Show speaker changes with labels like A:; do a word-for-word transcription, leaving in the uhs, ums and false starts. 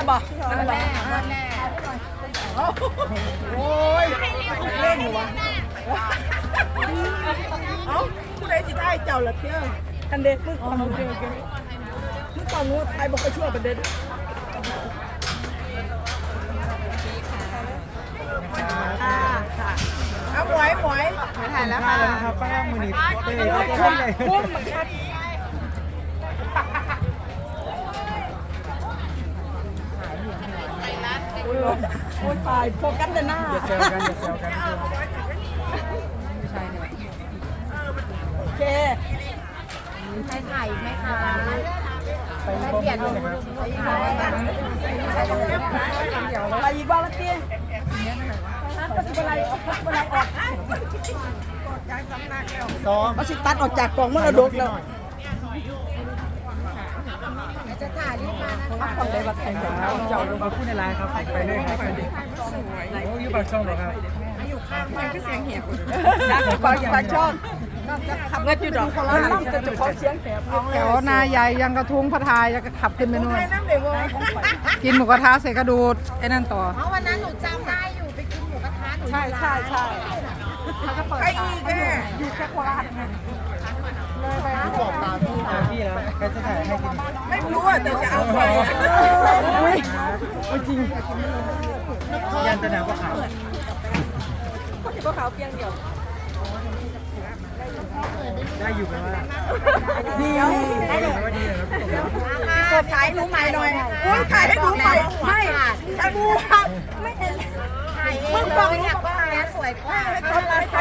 A: บ่นั่นแหละโอ้ยเล่นอยู่วะเอ้าผู้ใดสิได้เจ้าละเที่ยวคันเด็กมึงก่อนโอเคโอเคมึงก่อนงูไทยบอกก็ช่วยประเด็นค่ะค่ะเอาหมวยหมวยไม่ถ่ายแล้วค่ะ
B: ครับป้ามือหนีเต้ย
A: คุ้มคุ้มเหมือนกันโอ้ยตายโฟกัสแต่หน้า
B: อย่าเซลกันอย่าเซลกันใช่เนี่ย
A: โอเค
C: ใครถ่ายไหมคะไปเปลี่ยนลง
A: อะไรอีกบ้างละเตี้ยก็สิบอะไรออกอะไรออก
B: ซ้อม
A: มาสิตัดออกจากกล่องมันระดกแล้ว
C: จะถ่ายรีบมานะคะ
A: คนใดบัตรแข่งกัน
B: เจ้าลงมาพูดในไลน์ครับไปเลยครับโอ้ยปากช่องเหรอครับ
A: มันก็เสียงเหี่ยวนะปากปากช่องขับเงินจุดดอกแล้วน้ำจะจะขอเสียงแหบ
D: แถวนายใหญ่ยังกระทุ้งพระทายจะขับขึ้นไปนู่น
A: น้ำเดี๋ยวว่า
D: กินหมูกระทะเสร็จกระดูดไอ้นั่นต่อ
C: เพราะวันนั้นหนูจำได้อยู่ไปกินหมูกระทะหนู
A: ใช่ใช่ใช่ใครอีกแม่อยู่แค่โคราชไง
B: บอกตามพี่ตามพี่แล้วใครจะถ่ายให้กิน
A: ไม่รู้อ่ะแต่จะเอาไปอุ้ยจริง
B: ยันจะหนาวกว่าขาว
A: ก็ขาวเพียงเดียว
B: ได้อยู่ไหมว่า
A: ดีได้เลย
B: ว่าดีเลยครับ
A: กดถ่ายหนูใหม่หน่อยอุ้ยถ่ายให้หนูใหม่ไม่ฉันดูครับไม่เห็น
C: ถ่ายเองเลยอยากว่าแม่สวยกว่า
A: ให้คนไลฟ์